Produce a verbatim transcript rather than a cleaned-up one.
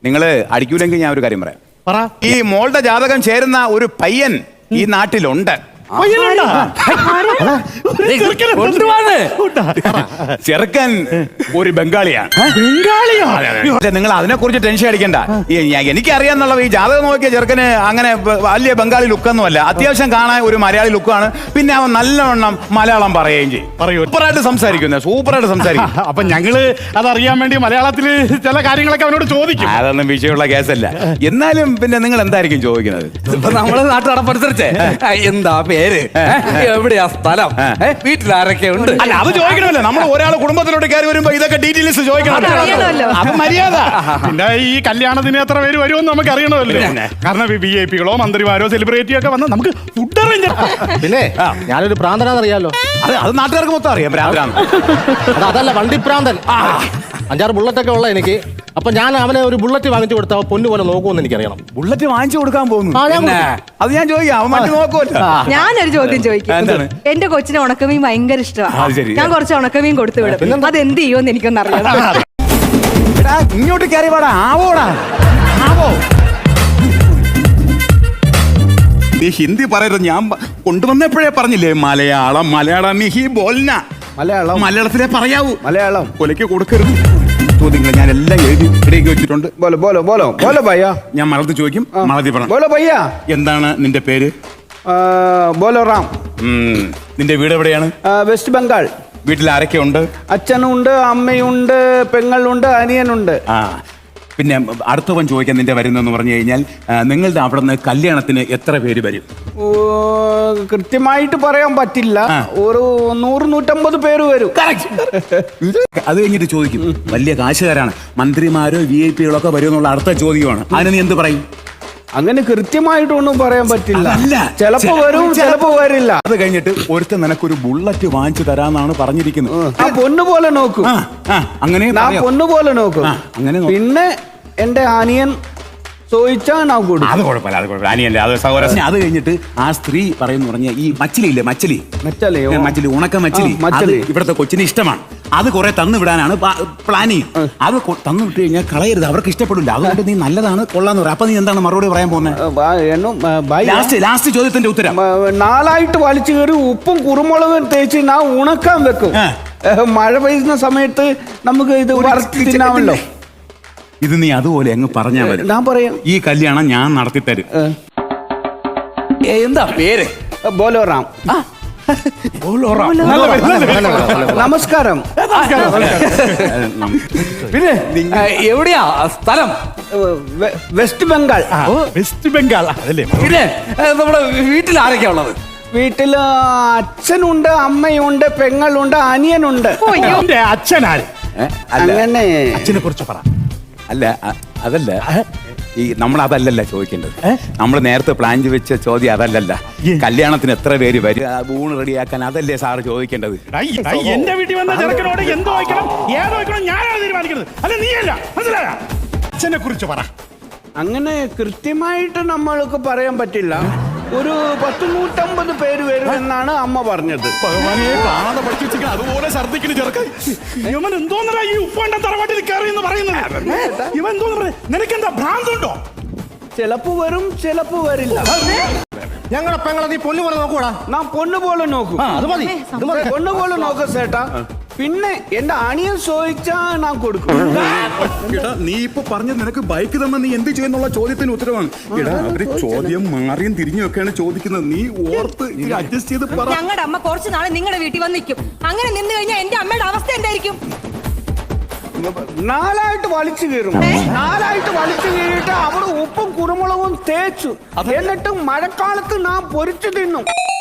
നിങ്ങള് അടിക്കൂലെങ്കിൽ ഞാൻ ഒരു കാര്യം പറയാം. പറ. ഈ മോളുടെ ജാതകം ചേരുന്ന ഒരു പയ്യൻ ഈ നാട്ടിലുണ്ട്. ചെറുക്കൻ ഒരു ബംഗാളിയാണ്. നിങ്ങൾ അതിനെ കുറിച്ച് ടെൻഷൻ അടിക്കണ്ട. എനിക്കറിയാന്നുള്ള ഈ ജാതകം നോക്കിയ ചെറുക്കന് അങ്ങനെ വലിയ ബംഗാളി ലുക്കൊന്നുമല്ല. അത്യാവശ്യം കാണാൻ ഒരു മലയാളി ലുക്കാണ്. പിന്നെ അവൻ നല്ലവണ്ണം മലയാളം പറയുകയും ചെയ്യും. സൂപ്പറായിട്ട് സംസാരിക്കുന്നത് സൂപ്പറായിട്ട് സംസാരിക്കും. അപ്പൊ ഞങ്ങള് അതറിയാൻ വേണ്ടി മലയാളത്തില് ചില കാര്യങ്ങളൊക്കെ അവനോട് ചോദിക്കും. അതൊന്നും വിഷയമുള്ള കേസല്ല. എന്നാലും പിന്നെ നിങ്ങൾ എന്തായിരിക്കും ചോദിക്കുന്നത്? ഇപ്പൊ നമ്മള് നാട്ടുനടപ്പനുസരിച്ച് എന്താ പേര്, എവിടെയാ സ്ഥലം, വീട്ടിലാരൊക്കെ ഉണ്ട്? അല്ല, അത് ചോദിക്കണമല്ലോ. നമ്മൾ ഒരാൾ കുടുംബത്തിലോട്ട് കയറി വരുമ്പോ ഇതൊക്കെ ഡീറ്റെയിൽസ് ചോദിക്കണം. അപ്പൊ മര്യാദ. പിന്നെ ഈ കല്യാണത്തിന് എത്ര പേര് വരുമെന്ന് നമുക്ക് അറിയണമല്ലോ. കാരണം വി ഐ പികളോ മന്ത്രിമാരോ സെലിബ്രിറ്റിയോ ഒക്കെ വന്ന് നമുക്ക് ഫുഡ് അറേഞ്ച്. പിന്നെ ഞാനൊരു പ്രാന്തനാന്നറിയാലോ. അത് അത് നാട്ടുകാർക്ക് മൊത്തം അറിയാം. ഭ്രാന്തനാണ്. അതല്ല, വണ്ടിപ്രാന്തൻ. അഞ്ചാറ് ബുള്ളറ്റൊക്കെ ഉള്ള എനിക്ക്. അപ്പൊ ഞാൻ അവനെ ഒരു ബുള്ളറ്റ് വാങ്ങിച്ചു കൊടുത്ത പൊന്നു പോലെ നോക്കുമെന്ന് എനിക്കറിയണം. ബുള്ളറ്റ് വാങ്ങിച്ചു കൊടുക്കാൻ പോകുന്നു? അത് ഞാൻ ചോദിക്കാം. അവൻ മറ്റു നോക്കുമല്ലോ. ഞാനൊരു ചോദ്യം ചോദിക്കാം. എന്റെ കൊച്ചിന് ഉണക്കമീൻ ഭയങ്കര ഇഷ്ടമാണ്. ഞാൻ കുറച്ച് ഉണക്കമീൻ കൊടുത്തു വിടും. അത് എന്ത് ചെയ്യുമെന്ന് എനിക്കൊന്നും അറിയാം. ഇങ്ങോട്ട് കയറി പാടാ. ആവോടാ ആവോ. നീ ഹിന്ദി പറയരുത്. ഞാൻ കൊണ്ടുവന്നപ്പോഴേ പറഞ്ഞില്ലേ മലയാളം. മലയാളം മിഹി ബോൽന. മലയാളം മലയാളത്തിലേ പറയാവൂ. മലയാളം കൊലയ്ക്ക് കൊടുക്കരുത്. ചോദ്യങ്ങൾ ഞാൻ എല്ലാം എഴുതി ഇടയ്ക്ക് വെച്ചിട്ടുണ്ട്. ബോലോ ബോലോ ബോലോ ബോലോ ഭയ്യ. ഞാൻ മലയാളത്തിൽ ചോദിക്കും. മലയാളത്തിൽ പറ. ബോലോ ഭയ്യ. എന്താണ് നിന്റെ പേര്? ബോലോ റാം. നിന്റെ വീട് എവിടെയാണ്? വെസ്റ്റ് ബംഗാൾ. വീട്ടിൽ ആരൊക്കെ ഉണ്ട്? അച്ഛനുണ്ട്, അമ്മയുണ്ട്, പെങ്ങളുണ്ട്, അനിയനുണ്ട്. ആ, പിന്നെ അടുത്തവൻ ചോദിക്കാൻ നിന്റെ വരുന്നെന്ന് പറഞ്ഞു കഴിഞ്ഞാൽ നിങ്ങളുടെ അവിടെ നിന്ന് കല്യാണത്തിന് എത്ര പേര് വരും? കൃത്യമായിട്ട് പറയാൻ പറ്റില്ല. ഒരു നൂറ് നൂറ്റമ്പത് പേര് വരും. അത് കഴിഞ്ഞിട്ട് ചോദിക്കും, വലിയ കാശുകാരാണ്, മന്ത്രിമാരോ വി ഐ പികളൊക്കെ വരും എന്നുള്ള അടുത്ത ചോദ്യമാണ്. അതിന് നീ എന്ത് പറയും? അങ്ങനെ കൃത്യമായിട്ടൊന്നും പറയാൻ പറ്റില്ല. ചിലപ്പോ വരും, ചിലപ്പോ വരില്ല. അത് കഴിഞ്ഞിട്ട് ഒരുത്ത നിനക്കൊരു ബുള്ളറ്റ് വാങ്ങിച്ചു തരാന്നാണ് പറഞ്ഞിരിക്കുന്നത്. ആ പൊന്നു പോലെ നോക്കും. അങ്ങനെ പൊന്നു പോലെ നോക്കും. അങ്ങനെ പിന്നെ എന്റെ അനിയൻ ചോദിച്ചാൽ ഞാൻ കൊടുക്കും. അത് കുഴപ്പമില്ല, അത് കുഴപ്പമില്ല. അനിയല്ലേ, അത് സഹോദരൻ. അത് കഴിഞ്ഞിട്ട് ആ സ്ത്രീ പറയുന്ന പറഞ്ഞ ഈ മച്ചിലി ഇല്ലേ, മച്ചിലി മച്ചിലി ഉണക്ക മച്ചിലി, അത് ഇവിടുത്തെ കൊച്ചിന് ഇഷ്ടമാണ്. അത് കുറെ തന്നു വിടാനാണ് പ്ലാനിങ്. അത് തന്നു വിട്ട് കഴിഞ്ഞാൽ കളയരുത്, അവർക്ക് ഇഷ്ടപ്പെടില്ല. അതുകൊണ്ട് നീ നല്ലതാണ് കൊള്ളാന്ന് പറയാം. അപ്പൊ നീ എന്താണ് മറുപടി പറയാൻ പോകുന്നത്? ലാസ്റ്റ് ലാസ്റ്റ് ചോദ്യത്തിന്റെ ഉത്തരം. നാലായിട്ട് വലിച്ചു കയറി ഉപ്പും കുരുമുളകും തേച്ച് ഞാൻ ഉണക്കാൻ വെക്കും. മഴ പെയ്യുന്ന സമയത്ത് നമുക്ക് ഇത് വറുത്തി തിന്നാമല്ലോ. ഇത് നീ അതുപോലെ അങ്ങ് പറഞ്ഞാൽ മതി. ഞാൻ പറയാം. ഈ കല്യാണം ഞാൻ നടത്തി തരും. എന്താ പേര്? ബോലോറാം. നമസ്കാരം. പിന്നെ എവിടെയാ സ്ഥലം? വെസ്റ്റ് ബംഗാൾ. വെസ്റ്റ് ബംഗാൾ അതല്ലേ? പിന്നെ നമ്മുടെ വീട്ടിൽ ആരൊക്കെയാ ഉള്ളത്? വീട്ടില് അച്ഛനുണ്ട്, അമ്മയുണ്ട്, പെങ്ങളുണ്ട്, അനിയനുണ്ട്. അച്ഛനാര്? അങ്ങനെ അച്ഛനെ കുറിച്ച് പറ. അല്ല, അതല്ല, ഈ നമ്മൾ അതല്ലല്ല ചോദിക്കേണ്ടത്. നമ്മൾ നേരത്തെ പ്ലാൻ വെച്ച ചോദ്യം അതല്ലല്ല. കല്യാണത്തിന് എത്ര പേര് വരും, ഊണ് റെഡിയാക്കാൻ, അതല്ലേ സാറ് ചോദിക്കേണ്ടത്. എന്റെ വീട്ടിൽ വന്ന ചെറുക്കനോട് എന്ത് വായിക്കണം ഏത് വായിക്കണം ഞാനാണ് തീരുമാനിക്കുന്നത്, അല്ല നീയല്ല. മനസ്സിലായ? അച്ഛനെ കുറിച്ച് പറ. അങ്ങനെ കൃത്യമായിട്ട് നമ്മൾക്ക് പറയാൻ പറ്റില്ല. ഒരു പത്ത് നൂറ്റമ്പത് പേര് വരും എന്നാണ് അമ്മ പറഞ്ഞത്. അതുപോലെ ഛർദിക്കണ ചെറുക്കൻ ഇവൻ എന്തോന്നല്ല ഈ ഉപ്പണ്ട തറവാട്ടിൽ കയറി എന്ന് പറയുന്നത്. ഇവൻ എന്തോന്ന് നിനക്കെന്താ ഭ്രാന്തുണ്ടോ? ചിലപ്പോ വരും, ചിലപ്പോ വരില്ല. ഞങ്ങളെ പെങ്ങളെ നീ പൊന്നു പോലെ നോക്കൂടാ. ഞാൻ പൊന്നു പോലെ നോക്കും. അത് മതി, പൊന്നു പോലെ നോക്ക ചേട്ടാ. പിന്നെ എന്റെ അണിയൻ ചോദിച്ചാ ഞാൻ കൊടുക്കും. നീ ഇപ്പൊ പറഞ്ഞത് നിനക്ക് ബൈക്ക് തന്നെ നീ എന്ത് ചെയ്യുന്നുള്ള ചോദ്യത്തിന് ഉത്തരവാണ്. എടാ, അവര് ചോദ്യം മാറിയും തിരിഞ്ഞും ഒക്കെയാണ് ചോദിക്കുന്നത്. നീ ഓർത്ത് അഡ്ജസ്റ്റ് ചെയ്ത് പറ. ഞങ്ങളുടെ അമ്മ കുറച്ച് നാളെ നിങ്ങളുടെ വീട്ടിൽ വന്ന് നിൽക്കും. അങ്ങനെ നിന്ന് കഴിഞ്ഞാൽ എന്റെ അമ്മയുടെ അവസ്ഥ എന്തായിരിക്കും? നാലായിട്ട് വലിച്ചു കീറും. നാലായിട്ട് വലിച്ചു കീറിയിട്ട് അവിടെ ഉപ്പും കുരുമുളകും തേച്ചു. എന്നിട്ട് മഴക്കാലത്ത് ഞാൻ പൊരിച്ചു തിന്നും.